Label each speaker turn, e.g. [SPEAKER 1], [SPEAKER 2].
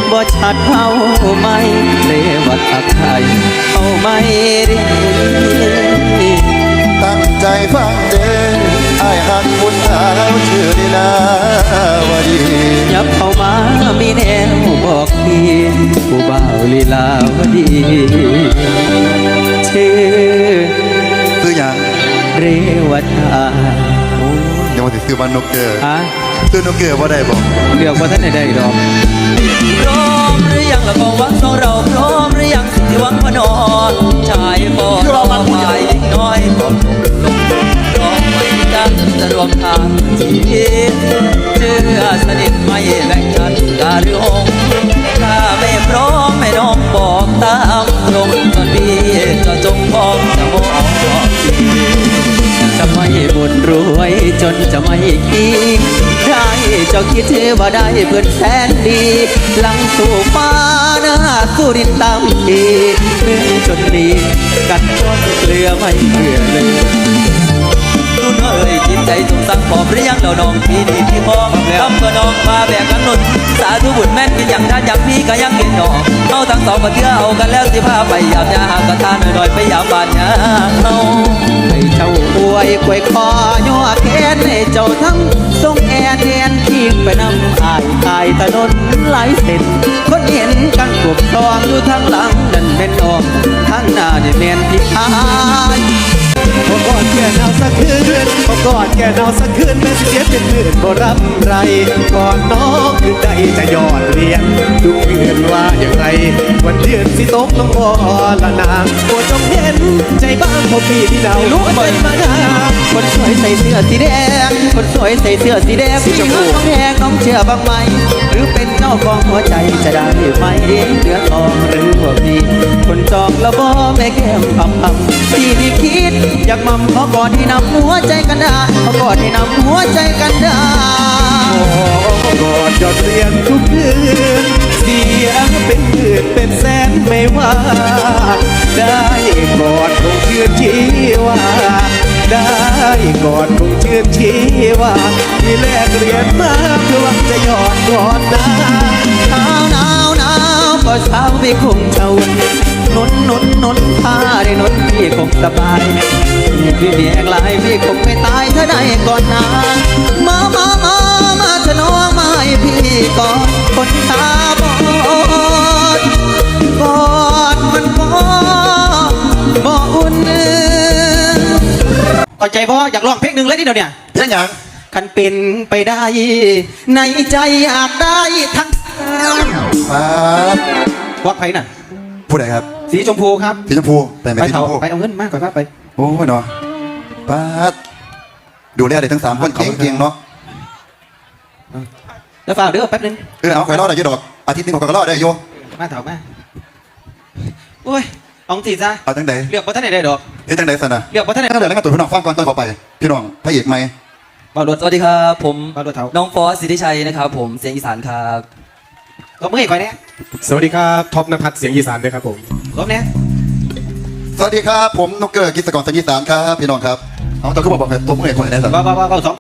[SPEAKER 1] บ่ชัดเอาไหมเรวัดทักไทยเอาไหมเรียน
[SPEAKER 2] ตั้งใจฟังเด้อไอ้หักคุณสาวชื่อลีลาวดี
[SPEAKER 1] ยับเข้ามามีแนวบอกพี่ผู้บ่าวลีลาวดีชื่อ
[SPEAKER 2] อย่าง
[SPEAKER 1] เรวัตา
[SPEAKER 2] ยังมาติดซื้อวันนกเกอร์
[SPEAKER 1] ฮะ
[SPEAKER 2] ซื้อนกเกอร์ว่าได้บอก
[SPEAKER 1] เลือกว่าท่านใดดอก
[SPEAKER 3] พร้อมหรือยังละกองวังของเราพร้อมหรือยังสิหวังพนอนชายบ่รอมาฝ่ายน้อยบอกรอไม่กันจะรวมทางชีวิตเชื่อสนิทไม่แบ่งกันกาหรือหงถ้าไม่พร้อมไม่น้องบอกตามตรงก่อนพี่ก็จงพร้อมจะมอง
[SPEAKER 1] จะไม่บุญรวยจนจะไม่คิดได้เจ้าคิดว่าได้เพื่อนแสนดีหลังสู่ฟ้าหน้าสู้ดินตามทีเรื่องจนดีกัดก้นเกลือไม่เกลือเลย
[SPEAKER 3] รุ่นเอ้ยจิตใจสงสังพร้อมหรือยังเราน้องพี่ดีพี่พร้อมทำก็น้องมาแบกกันนุ่นสาธุบุญแม่นกินอย่างท่านอย่างพี่ก็ยังเห็นหนอเอาทั้งสองก็เที่ยวเอากันแล้วสิพาไปยามยาหากกระทานหน่อยๆไปยามบ้านยาเอา
[SPEAKER 1] ให้เจ้าอวยกวยคอย่อแขนให้เจ้าทั้งทรงแอนแอนทิ้งไปนำอายถนนหลายเส้นคนเห็นกันกบทองอยู่ทางหลังนั่นเป็นออกทางหน้านี่แม่นพี่อายพอกอดแก่หนาวสักคืนพอกอดแก่หนาวสักคืนแม่เสียเป็นหมื่นบ่รับไรก่อนน้องคือใจจะยอดเรียนดูเพื่อนว่าอย่างไรวันเดือนสิตกลงบ่ละนางโปรดจงเห็นใจบ้างพอพี่ที่ดาวรู้ใจมาดาคนสวยใส่เสื้อสีแดงคนสวยใส่เสื้อสีแดงสีชมพูน้องแดงน้องเชื่อบ้างไหมหรือเป็นเจ้าของหัวใจจะได้ไหมเหลือทองหรือว่าพี่คนจองแล้วบ่แม่แก้มพับที่นี่คิดอยากมั่มขอกอดให้นำหัวใจกันได้ขอกอดให้นำหัวใจกันได้กอดจดเรียนทุกคืนเสียเป็นหมื่นเป็นแสนไม่ว่าได้กอดคงเชื่อชีว่าได้กอดคงเชื่อชีว่าที่แลกเรียนมาเพื่อหวังจะยอดกอดนะหนาวก็เช้าพี่คงเจ้านุนผ้าได้นุนพี่คงสบายพี่เบียกลายพี่คงไม่ตายถ้าได้ก่อนนะมาถนอมมาให้พี่ก่อนคนตาบอดกอดมันบ่อุ่นเข้าใจบ่อยากร้องเพลงหนึ่งเลยที่เดียวเนี่ย
[SPEAKER 2] เพลงอย่าง
[SPEAKER 1] คันเป็นไปได้ในใจอยากได้ทั้งวักไผ่น่ะ
[SPEAKER 2] ผู้ใดครับ
[SPEAKER 1] สีชมพูครับ
[SPEAKER 2] สีชมพูแต่ไม่สีชมพู
[SPEAKER 1] ไปเอาเงินมากกว่าไป
[SPEAKER 2] โอ้ยเนาะป้าดูแลได้ทั้ง3คนเก่งๆเนาะ
[SPEAKER 1] แล้วฝากเดี๋ยวแป๊บนึง
[SPEAKER 2] เอาคอยรอดได้เยอะดอกอาทิตย์นึงคอยรอดได้โย
[SPEAKER 1] มาเถอะมาโอ้ยเอาสิซะ
[SPEAKER 2] เอาจังใด
[SPEAKER 1] เรียกว่าท่านไหนได้ดอก
[SPEAKER 2] จังใดสันนะ
[SPEAKER 1] เรียกว่าท่านไหน
[SPEAKER 2] ตั้งแต่แล้วก็ตัวพี่น้องฟังก่อนตอนขอไปพี่น้องพระเอกไหม
[SPEAKER 3] สวัสดีครับผมน้องฟอสสิทธิชัยนะครับผมเสียงอีสานครับ
[SPEAKER 1] ลบมือให้ก่อนเนี่ย
[SPEAKER 4] สวัสดีครับท็อปณภัทรเสียงอีสานด้วยครับผม
[SPEAKER 1] ลบเนี่ย
[SPEAKER 2] สวัสดีครับผมนกเกอร์กิจกรเสียงอีสานครับพี่น้องครับเอาตัวขึ้นมาบอกเลยตัวมือให้ก่อนได้สัน
[SPEAKER 1] ว่า2